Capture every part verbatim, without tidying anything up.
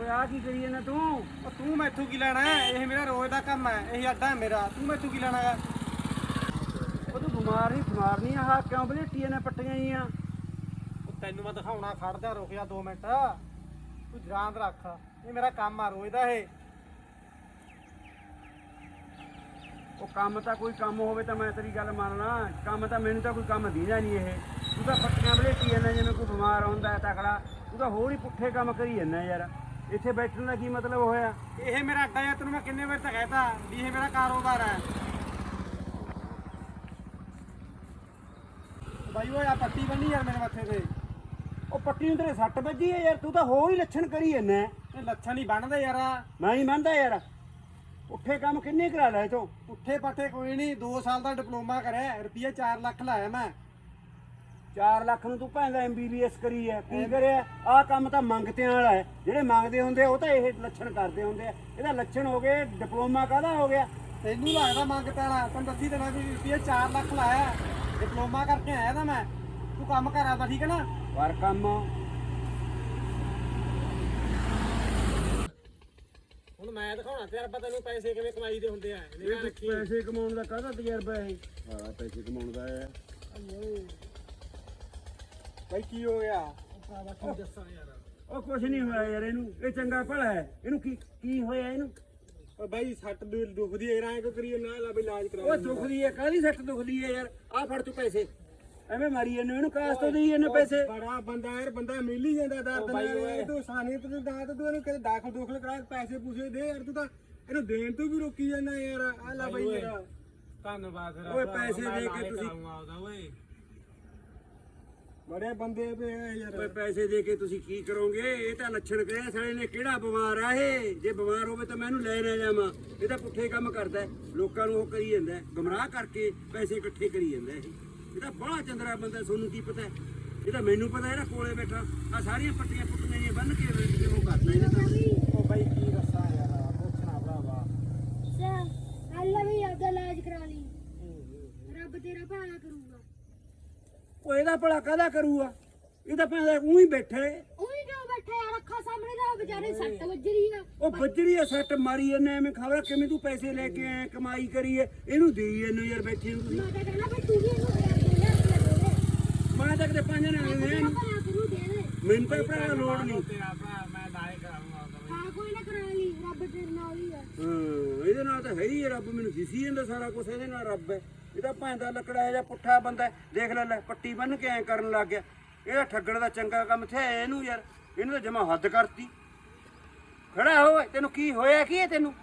ਓਏ ਆ ਕੀ ਕਰੀ ਜਾਂਦਾ ਤੂੰ? ਉਹ ਤੂੰ ਮੈਥੋਂ ਕੀ ਲੈਣਾ ਹੈ? ਇਹ ਮੇਰਾ ਰੋਜ਼ ਦਾ ਕੰਮ ਹੈ, ਇਹ ਅੱਡਾ ਹੈ ਮੇਰਾ। ਤੂੰ ਮੈਥੋਂ ਕੀ ਲੈਣਾ ਹੈ? ਉਹ ਤੂੰ ਬਿਮਾਰ ਨਹੀਂ ਬਿਮਾਰ ਨਹੀਂ ਆਹ ਕਿਉਂ ਬਲੇਟੀਆਂ ਨੇ ਪੱਟੀਆਂ ਜੀਆਂ? ਉਹ ਤੈਨੂੰ ਮੈਂ ਦਿਖਾਉਣਾ, ਖੜ ਜਾ, ਰੁਕ ਜਾ ਦੋ ਮਿੰਟ। ਤੂੰ ਯਾਦ ਰੱਖ, ਇਹ ਮੇਰਾ ਕੰਮ ਆ ਰੋਜ਼ ਦਾ। ਇਹ ਉਹ ਕੰਮ ਤਾਂ ਕੋਈ ਕੰਮ ਹੋਵੇ ਤਾਂ ਮੈਂ ਤੇਰੀ ਗੱਲ ਮੰਨਣਾ, ਕੰਮ ਤਾਂ ਮੈਨੂੰ ਤਾਂ ਕੋਈ ਕੰਮ ਦੀਦਾ ਨਹੀਂ। ਇਹ ਤੂੰ ਤਾਂ ਪੱਟੀਆਂ ਬਲੇਟੀ ਜਾਂਦਾ ਜਿਵੇਂ ਕੋਈ ਬਿਮਾਰ ਹੁੰਦਾ ਤਕੜਾ। ਤੂੰ ਤਾਂ ਹੋਰ ਹੀ ਪੁੱਠੇ ਕੰਮ ਕਰੀ ਜਾਂਦਾ ਯਾਰ। ਇੱਥੇ ਬੈਠਣ ਦਾ ਕੀ ਮਤਲਬ ਹੋਇਆ? ਇਹ ਮੇਰਾ ਅੱਡਾ ਹੈ, ਤੈਨੂੰ ਮੈਂ ਕਿੰਨੇ ਵਾਰ ਤਾਂ ਕਹਿਤਾ ਵੀ ਇਹ ਮੇਰਾ ਕਾਰੋਬਾਰ ਹੈ। ਬਾਈ ਓਏ ਆ ਪੱਟੀ ਬੰਨੀ ਯਾਰ ਮੇਰੇ ਮੱਥੇ ਤੇ। ਉਹ ਪੱਟੀ ਨੂੰ ਤੇਰੇ ਸੱਟ ਵੱਜੀ ਹੈ ਯਾਰ, ਤੂੰ ਤਾਂ ਹੋਰ ਹੀ ਲੱਛਣ ਕਰੀ ਜਾਂਦਾ। ਇਹ ਲੱਛਣ ਨਹੀਂ ਬਣਦੇ ਯਾਰ। ਮੈਂ ਹੀ ਮੰਨਦਾ ਯਾਰ, ਪੁੱਠੇ ਕੰਮ ਕਿੰਨੇ ਕਰਾ ਲਿਆ ਤੂੰ? ਪੁੱਠੇ ਪੱਠੇ ਕੋਈ ਨਹੀਂ, ਦੋ ਸਾਲ ਦਾ ਡਿਪਲੋਮਾ ਕਰਿਆ, ਰੁਪਈਆ ਚਾਰ ਲੱਖ ਲਾਇਆ ਮੈਂ। ਚਾਰ ਲੱਖ ਨੂੰ ਤੂੰ ਭੈਂਦਾ ਐਮ ਬੀ ਬੀ ਐਸ ਕਰੀ ਹੈ, ਕੀ ਕਰਿਆ? ਆਹ ਕੰਮ ਤਾਂ ਮੰਗਤਿਆਂ ਵਾਲਾ ਹੈ। ਜਿਹੜੇ ਮੰਗਦੇ ਹੁੰਦੇ ਉਹ ਤਾਂ ਇਹ ਲੱਛਣ ਕਰਦੇ ਹੁੰਦੇ ਆ। ਇਹਦਾ ਲੱਛਣ ਹੋ ਗਏ, ਡਿਪਲੋਮਾ ਕਾਹਦਾ ਹੋ ਗਿਆ? ਤੈਨੂੰ ਲੱਗਦਾ ਮੰਗ ਪੈਣਾ? ਤੈਨੂੰ ਦੱਸੀ ਦੇਣਾ ਵੀ ਰੁਪਈਆ ਚਾਰ ਲੱਖ ਲਾਇਆ, ਡਿਪਲੋਮਾ ਕਰਕੇ ਆਇਆ ਤਾਂ ਮੈਂ। ਤੂੰ ਕੰਮ ਕਰ ਆਦਾ, ਠੀਕ ਹੈ ਨਾ? ਪਰ ਕੰਮ ਹੁਣ ਮੈਂ ਦਿਖਾਉਣਾ ਤਜਰਬਾ ਤੈਨੂੰ, ਪੈਸੇ ਕਿਵੇਂ ਕਮਾਈ ਦੇ ਹੁੰਦੇ ਆ। ਇਹ ਪੈਸੇ ਕਮਾਉਣ ਦਾ ਕਾਹਦਾ ਤਜਰਬਾ ਹੈ? ਹਾਂ ਪੈਸੇ ਕਮਾਉਣ ਦਾ ਹੈ। ਬਾਈ ਕੀ ਹੋ ਗਿਆ? ਕੀ ਦੱਸਾਂ ਯਾਰ। ਉਹ ਕੁਛ ਨਹੀਂ ਹੋਇਆ ਯਾਰ, ਇਹਨੂੰ ਇਹ ਚੰਗਾ ਭਲਾ ਹੈ। ਇਹਨੂੰ ਕੀ ਕੀ ਹੋਇਆ ਇਹਨੂੰ? ਓ ਬਾਈ ਸੱਟ ਦੁਖਦੀ ਹੈ, ਐਂ ਕੋ ਕਰੀਏ ਨਾ ਲਾ ਬਈ ਇਲਾਜ ਕਰਾ। ਉਹ ਦੁਖਦੀ ਹੈ, ਕਾਹਦੀ ਸੱਟ ਦੁਖਦੀ ਹੈ ਯਾਰ? ਆਹ ਫੜ ਤੂੰ ਪੈਸੇ, ਐਵੇਂ ਮਾਰੀ ਇਹਨੂੰ। ਇਹਨੂੰ ਕਾਸ ਤੋਂ ਦੇਈ ਇਹਨੇ ਪੈਸੇ? ਬੜਾ ਬੰਦਾ ਯਾਰ, ਬੰਦਾ ਮਿਲ ਹੀ ਜਾਂਦਾ ਦਰਦ ਨਾਲ। ਤੂੰ ਸਾਨੀ ਤੂੰ ਦਾ ਤੂੰ ਇਹਨੂੰ ਕਿਤੇ ਦਾਖਲ ਦੋਖਲ ਕਰਾ, ਪੈਸੇ ਪੂਸੇ ਦੇ ਯਾਰ। ਤੂੰ ਤਾਂ ਇਹਨੂੰ ਦੇਣ ਤੋਂ ਵੀ ਰੋਕੀ ਜਾਂਦਾ ਯਾਰ। ਆ ਲੈ ਬਾਈ ਮੇਰਾ ਧੰਨਵਾਦ। ਓਏ ਪੈਸੇ ਦੇ ਕੇ ਤੁਸੀਂ ਓਏ ਬੜੇ ਬੰਦੇ ਪਏ ਯਾਰ। ਓਏ ਪੈਸੇ ਦੇ ਕੇ ਤੁਸੀਂ ਕੀ ਕਰੋਗੇ? ਇਹ ਤਾਂ ਲੱਛਣ ਕਰਿਆ ਸਾਲੇ ਨੇ। ਕਿਹੜਾ ਬਿਮਾਰ ਆ ਇਹ? ਜੇ ਬਿਮਾਰ ਹੋਵੇ ਤਾਂ ਮੈਂ ਇਹਨੂੰ ਲੈ ਨਾ ਜਾਵਾਂ। ਇਹ ਤਾਂ ਪੁੱਠੇ ਕੰਮ ਕਰਦਾ, ਲੋਕਾਂ ਨੂੰ ਉਹ ਕਰੀ ਜਾਂਦਾ, ਗਮਰਾਹ ਕਰਕੇ ਪੈਸੇ ਇਕੱਠੇ ਕਰੀ ਜਾਂਦਾ। ਇਹ ਇਹ ਤਾਂ ਬੜਾ ਚੰਦਰਾ ਬੰਦਾ, ਤੁਹਾਨੂੰ ਕੀ ਪਤਾ? ਇਹ ਤਾਂ ਮੈਨੂੰ ਪਤਾ, ਇਹਦਾ ਕੋਲੇ ਬੈਠਾ ਆ ਸਾਰੀਆਂ ਪੱਟੀਆਂ ਪੁੱਟੀਆਂ ਜਿਹੀਆਂ ਬੰਨ ਕੇ ਉਹ ਕਰਦਾ ਇਹਨੇ ਤਾਂ। ਉਹ ਬਾਈ ਕੀ ਦੱਸਾਂ ਯਾਰ, ਪੁੱਛਣਾ ਭਰਾਵਾ। ਸਰ ਅੱਲਾ ਵੀ ਆਪਦਾ ਇਲਾਜ ਕਰਾ ਲਈ, ਰੱਬ ਤੇਰਾ ਭਲਾ ਕਰੂਗਾ। ਉਹ ਇਹਦਾ ਭਲਾ ਕਾਹਦਾ ਕਰੂਗਾ? ਇਹ ਤਾਂ ਪੈਂਦਾ ਉਹੀ ਬੈਠੇ। ਉਹੀ ਕਿਉਂ ਬੈਠਾ ਯਾਰ? ਅੱਖਾਂ ਸਾਹਮਣੇ ਦਾ ਵਿਚਾਰੇ ਸੱਟ ਵੱਜ ਰਹੀ ਆ। ਉਹ ਬੱਜਰੀ ਆ, ਸੱਟ ਮਾਰੀ ਇਹਨੇ। ਐਵੇਂ ਖਬਰ ਕਿਵੇਂ ਤੂੰ ਪੈਸੇ ਲੈ ਕੇ ਆਇਆ, ਕਮਾਈ ਕਰੀ ਹੈ, ਇਹਨੂੰ ਦੇਈ ਇਹਨੂੰ ਯਾਰ ਬੈਠੀ ਨੂੰ। ਮੈਂ ਤਾਂ ਕਹਿੰਦਾ ਬਈ ਤੂੰ ਵੀ ਇਹਨੂੰ ਦੇ ਦੇ ਯਾਰ। ਮੈਂ ਤਾਂ ਕਿਤੇ ਪੰਜ ਨਾਲ ਭਲਾ ਕਰੂ ਦੇ ਦੇ। ਮੈਨੂੰ ਤਾਂ ਭਰਾ ਲੋੜ ਨਹੀਂ। ਤੇਰਾ ਭਰਾ ਮੈਂ ਦਾਏ ਕਰਾਉਂਗਾ। ਹਾਂ ਕੋਈ ਨਾ ਕਰਾ ਲਈ, ਰੱਬ ਤੇਰੇ ਨਾਲ ਹੀ ਆ। ਹਾਂ ਇਹਦੇ ਨਾਲ ਤਾਂ ਹੈ ਹੀ ਰੱਬ। ਮੈਨੂੰ ਦਿਸੀ ਜਾਂਦਾ ਸਾਰਾ ਕੁਝ, ਇਹਦੇ ਨਾਲ ਰੱਬ ਹੈ। ਇਹਦਾ ਭਾਂਦਾ ਲੱਕੜਾ ਜਿਹਾ ਪੁੱਠਾ ਬੰਦਾ, ਦੇਖ ਲੈ ਲੈ ਪੱਟੀ ਬੰਨ ਕੇ ਐ ਕਰਨ ਲੱਗ ਗਿਆ। ਇਹਦਾ ਠੱਗਣ ਦਾ ਚੰਗਾ ਕੰਮ ਥਿਆ ਇਹਨੂੰ ਯਾਰ। ਇਹਨੂੰ ਤਾਂ ਜਮਾ ਹੱਦ ਕਰਤੀ। ਖੜਾ ਹੋ, ਤੈਨੂੰ ਕੀ ਹੋਇਆ? ਕੀ ਹੈ ਤੈਨੂੰ?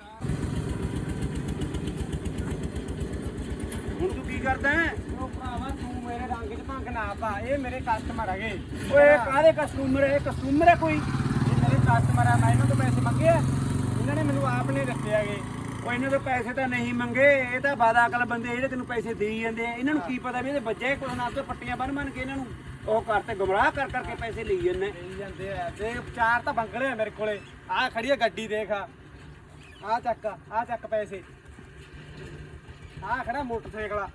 ਹੁਣ ਤੂੰ ਕੀ ਕਰਦਾ ਹੈ? ਉਹ ਭਰਾਵਾ ਤੂੰ ਮੇਰੇ ਰੰਗ 'ਚ ਭੰਗ ਨਾ ਪਾ, ਇਹ ਮੇਰੇ ਕਸਟਮਰ ਹੈਗੇ। ਓਏ ਕਾਹਦੇ ਕਸਟਮਰ ਹੈ? ਕਸਟਮਰ ਹੈ ਕੋਈ? ਇਹ ਮੇਰੇ ਕਸਟਮਰ ਆ, ਮੈਂ ਇਹਨਾਂ ਤੋਂ ਪੈਸੇ ਮੰਗੇ ਆ, ਇਹਨਾਂ ਨੇ ਮੈਨੂੰ ਆਪ ਨੇ ਦਿੱਤੇ ਹੈਗੇ। ਉਹ ਇਹਨਾਂ ਤੋਂ ਪੈਸੇ ਤਾਂ ਨਹੀਂ ਮੰਗੇ। ਇਹ ਤਾਂ ਬਾਦਾਕਲ ਬੰਦੇ ਜਿਹੜੇ ਤੈਨੂੰ ਪੈਸੇ ਦੇਈ ਜਾਂਦੇ ਆ। ਇਹਨਾਂ ਨੂੰ ਕੀ ਪਤਾ ਵੀ ਇਹਦੇ ਬੱਜੇ ਕੁਛ ਨਾ, ਤੋਂ ਪੱਟੀਆਂ ਬੰਨ ਬੰਨ ਕੇ ਇਹਨਾਂ ਨੂੰ ਉਹ ਕਰਤੇ, ਗੁੰਮਰਾਹ ਕਰ ਕਰਕੇ ਪੈਸੇ ਲਈ ਜਾਂਦੇ ਦੇਈ ਜਾਂਦੇ ਆ। ਤੇ ਚਾਰ ਤਾਂ ਬੰਗਲੇ ਆ ਮੇਰੇ ਕੋਲੇ। ਆਹ ਖੜੀ ਆ ਗੱਡੀ, ਦੇਖ ਆਹ ਚੱਕ, ਆਹ ਚੱਕ ਪੈਸੇ। ਆਹ ਖੜਾ ਮੋਟਰਸਾਈਕਲ।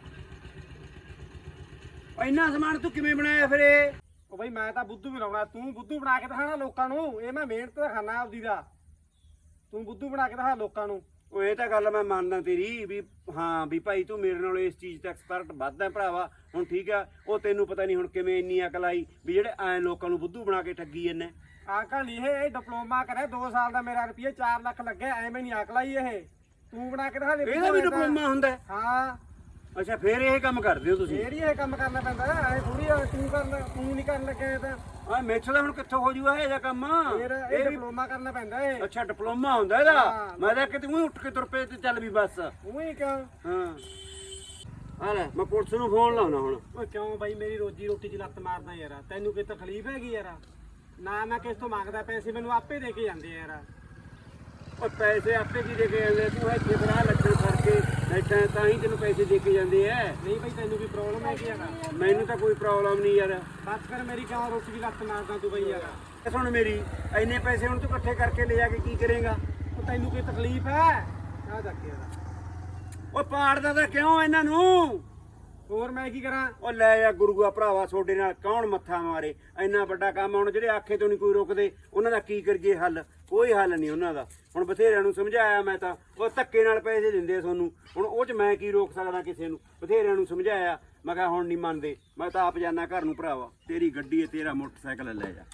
ਇੰਨਾ ਸਮਾਨ ਤੂੰ ਕਿਵੇਂ ਬਣਾਇਆ ਫਿਰ ਇਹ? ਉਹ ਬਈ ਮੈਂ ਤਾਂ ਬੁੱਧੂ ਬਣਾਉਣਾ, ਤੂੰ ਬੁੱਧੂ ਬਣਾ ਕੇ ਦਿਖਾਣਾ ਲੋਕਾਂ ਨੂੰ। ਇਹ ਮੈਂ ਮਿਹਨਤ ਤਾਂ ਖਾਣਾ ਆਪਦੀ ਦਾ, ਤੂੰ ਬੁੱਧੂ ਬਣਾ ਕੇ ਦਿਖਾ ਲੋਕਾਂ ਨੂੰ। ਉਹ ਇਹ ਤਾਂ ਗੱਲ ਮੈਂ ਮੰਨਦਾ ਤੇਰੀ ਵੀ ਹਾਂ ਵੀ ਭਾਈ ਤੂੰ ਮੇਰੇ ਨਾਲ ਇਸ ਚੀਜ਼ ਤੇ ਐਕਸਪਰਟ ਵੱਧ ਹੈ ਭਰਾਵਾ। ਹੁਣ ਠੀਕ ਆ, ਉਹ ਤੈਨੂੰ ਪਤਾ ਨਹੀਂ ਹੁਣ ਕਿਵੇਂ ਇੰਨੀ ਅਕਲ ਆਈ ਵੀ ਜਿਹੜੇ ਐ ਲੋਕਾਂ ਨੂੰ ਬੁੱਧੂ ਬਣਾ ਕੇ ਠੱਗੀ ਜਾਂਦੇ। ਅੰਕਲ ਨਹੀਂ, ਇਹ ਡਿਪਲੋਮਾ ਕਰਿਆ ਦੋ ਸਾਲ ਦਾ, ਮੇਰਾ ਰੁਪਈਆ ਚਾਰ ਲੱਖ ਲੱਗਿਆ। ਐਵੇਂ ਨਹੀਂ ਅਕਲ ਆਈ। ਇਹ ਤੂੰ ਬਣਾ ਕੇ ਦਿਖਾ ਦੇ। ਇਹਦਾ ਵੀ ਡਿਪਲੋਮਾ ਹੁੰਦਾ? ਹਾਂ। ਅੱਛਾ ਫੇਰ ਇਹ ਕੰਮ ਕਰਦੇ ਹੋ ਤੁਸੀਂ? ਫੇਰ ਹੀ ਇਹ ਕੰਮ ਕਰਨਾ ਪੈਂਦਾ। ਐ ਥੋੜੀ ਤੂੰ ਕਰਨਾ, ਤੂੰ ਨਹੀਂ ਕਰਨ ਲੱਗਿਆ ਤਾਂ। ਆ ਮੇਥੋਂ ਤਾਂ ਹੁਣ ਕਿੱਥੋਂ ਹੋ ਜੂਗਾ ਇਹ ਜਿਹਾ ਕੰਮ? ਫੇਰ ਇਹ ਡਿਪਲੋਮਾ ਕਰਨਾ ਪੈਂਦਾ। ਇਹ ਅੱਛਾ ਡਿਪਲੋਮਾ ਹੁੰਦਾ ਇਹਦਾ? ਮੈਂ ਤਾਂ ਕਿਤੇ ਉਹੀ ਉੱਠ ਕੇ ਤੁਰ ਪਏ ਤੇ ਚੱਲ ਵੀ ਬਸ। ਉਹੀ ਕਿਉਂ? ਹਾਂ ਆ ਲੈ ਮੈਂ ਪੁਲਿਸ ਨੂੰ ਫੋਨ ਲਾਉਣਾ ਹੁਣ। ਓਏ ਕਿਉਂ ਬਾਈ, ਮੇਰੀ ਰੋਜੀ ਰੋਟੀ 'ਚ ਲੱਤ ਮਾਰਦਾ ਯਾਰ। ਤੈਨੂੰ ਕੋਈ ਤਕਲੀਫ ਹੈਗੀ ਯਾਰ? ਨਾ ਮੈਂ ਕਿਸ ਤੋਂ ਮੰਗਦਾ ਪੈਸੇ, ਮੈਨੂੰ ਆਪੇ ਦੇ ਕੇ ਜਾਂਦੇ ਯਾਰ। ਉਹ ਪੈਸੇ ਆਪੇ ਕੀ ਦੇ ਕੇ ਜਾਂਦੇ? ਤੂੰ ਇੱਥੇ ਬਣਾ ਲੱਛਣ ਕਰਕੇ ਬੈਠਾ ਤਾਂ ਹੀ ਤੈਨੂੰ ਪੈਸੇ ਦੇ ਕੇ ਜਾਂਦੇ ਐ। ਨਹੀਂ ਬਾਈ ਤੈਨੂੰ ਵੀ ਪ੍ਰੋਬਲਮ ਹੈਗੀ ਯਾਰ? ਮੈਨੂੰ ਤਾਂ ਕੋਈ ਪ੍ਰੋਬਲਮ ਨਹੀਂ ਯਾਰ। ਬਸ ਫਿਰ ਮੇਰੀ ਕਿਉਂ ਰੋਟੀ 'ਚ ਲੱਤ ਮਾਰਦਾ ਤੂੰ ਬਈ ਯਾਰ? ਇਹ ਸੁਣ ਮੇਰੀ, ਇੰਨੇ ਪੈਸੇ ਹੁਣ ਤੂੰ ਇਕੱਠੇ ਕਰਕੇ ਲੈ ਜਾ ਕੇ ਕੀ ਕਰੇਗਾ? ਉਹ ਤੈਨੂੰ ਕੋਈ ਤਕਲੀਫ ਹੈ? ਆ ਚੱਕ ਯਾਰ। ਉਹ ਪਾੜਦਾ ਤਾਂ ਕਿਉਂ ਇਹਨਾਂ ਨੂੰ? ਹੋਰ ਮੈਂ ਕੀ ਕਰਾਂ? ਉਹ ਲੈ ਜਾ ਗੁਰੂਆ ਭਰਾਵਾ, ਤੁਹਾਡੇ ਨਾਲ ਕੌਣ ਮੱਥਾ ਮਾਰੇ? ਇੰਨਾ ਵੱਡਾ ਕੰਮ ਹੁਣ ਜਿਹੜੇ ਆਖੇ ਤੋਂ ਨਹੀਂ ਕੋਈ ਰੁਕਦੇ, ਉਹਨਾਂ ਦਾ ਕੀ ਕਰੀਏ ਹੱਲ? ਕੋਈ ਹੱਲ ਨਹੀਂ ਉਹਨਾਂ ਦਾ। ਹੁਣ ਬਥੇਰਿਆਂ ਨੂੰ ਸਮਝਾਇਆ ਮੈਂ ਤਾਂ, ਉਹ ਧੱਕੇ ਨਾਲ ਪੈਸੇ ਦਿੰਦੇ ਆ ਤੁਹਾਨੂੰ, ਹੁਣ ਉਹ 'ਚ ਮੈਂ ਕੀ ਰੋਕ ਸਕਦਾ ਕਿਸੇ ਨੂੰ। ਬਥੇਰਿਆਂ ਨੂੰ ਸਮਝਾਇਆ, ਮੈਂ ਕਿਹਾ ਹੁਣ ਨਹੀਂ ਮੰਨਦੇ, ਮੈਂ ਤਾਂ ਆਪ ਜਾਣਾ ਘਰ ਨੂੰ ਭਰਾਵਾ, ਤੇਰੀ ਗੱਡੀ ਹੈ, ਤੇਰਾ ਮੋਟਰਸਾਈਕਲ ਲੈ ਜਾ।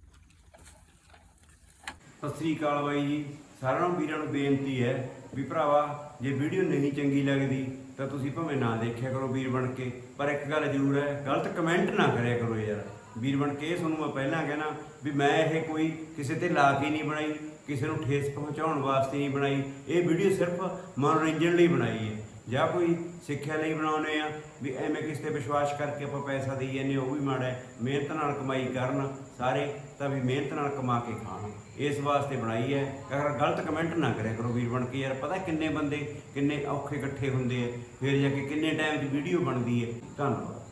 ਸਤਿ ਸ੍ਰੀ ਅਕਾਲ ਬਾਈ ਜੀ, ਸਾਰਿਆਂ ਨੂੰ ਵੀਰਾਂ ਨੂੰ ਬੇਨਤੀ ਹੈ ਵੀ ਭਰਾਵਾ ਜੇ ਵੀਡੀਓ ਨਹੀਂ ਚੰਗੀ ਲੱਗਦੀ ਤਾਂ ਤੁਸੀਂ ਭਾਵੇਂ ਨਾ ਦੇਖਿਆ ਕਰੋ ਵੀਰ ਬਣ ਕੇ, ਪਰ ਇੱਕ ਗੱਲ ਜ਼ਰੂਰ ਹੈ, ਗਲਤ ਕਮੈਂਟ ਨਾ ਕਰਿਆ ਕਰੋ ਯਾਰ ਵੀਰ ਬਣ ਕੇ। ਇਹ ਤੁਹਾਨੂੰ ਮੈਂ ਪਹਿਲਾਂ ਕਹਿਣਾ ਵੀ ਮੈਂ ਇਹ ਕੋਈ ਕਿਸੇ ਤੇ ਲਾ ਕੇ ਨਹੀਂ ਬਣਾਈ, ਕਿਸੇ ਨੂੰ ਠੇਸ ਪਹੁੰਚਾਉਣ ਵਾਸਤੇ ਨਹੀਂ ਬਣਾਈ। ਇਹ ਵੀਡੀਓ ਸਿਰਫ ਮਨੋਰੰਜਨ ਲਈ ਬਣਾਈ ਹੈ, ਜਾਂ ਕੋਈ ਸਿੱਖਿਆ ਲਈ ਬਣਾਉਂਦੇ ਆ ਵੀ ਐਵੇਂ ਕਿਸੇ ਤੇ ਵਿਸ਼ਵਾਸ ਕਰਕੇ ਆਪਾਂ ਪੈਸਾ ਦੇਈ ਜਾਂਦੇ, ਉਹ ਵੀ ਮਾੜਾ ਹੈ। ਮਿਹਨਤ ਨਾਲ ਕਮਾਈ ਕਰਨ ਸਾਰੇ ਤਾਂ ਵੀ ਮਿਹਨਤ ਨਾਲ ਕਮਾ ਕੇ ਖਾਣ, ਇਸ ਵਾਸਤੇ ਬਣਾਈ ਹੈ। ਅਗਰ ਗਲਤ ਕਮੈਂਟ ਨਾ ਕਰਿਆ ਕਰੋ ਵੀਰ ਬਣ ਕੇ ਯਾਰ। ਪਤਾ ਕਿੰਨੇ ਬੰਦੇ ਕਿੰਨੇ ਔਖੇ ਇਕੱਠੇ ਹੁੰਦੇ ਆ, ਫਿਰ ਜਾ ਕੇ ਕਿੰਨੇ ਟਾਈਮ ਦੀ ਵੀਡੀਓ ਬਣਦੀ ਹੈ। ਧੰਨਵਾਦ।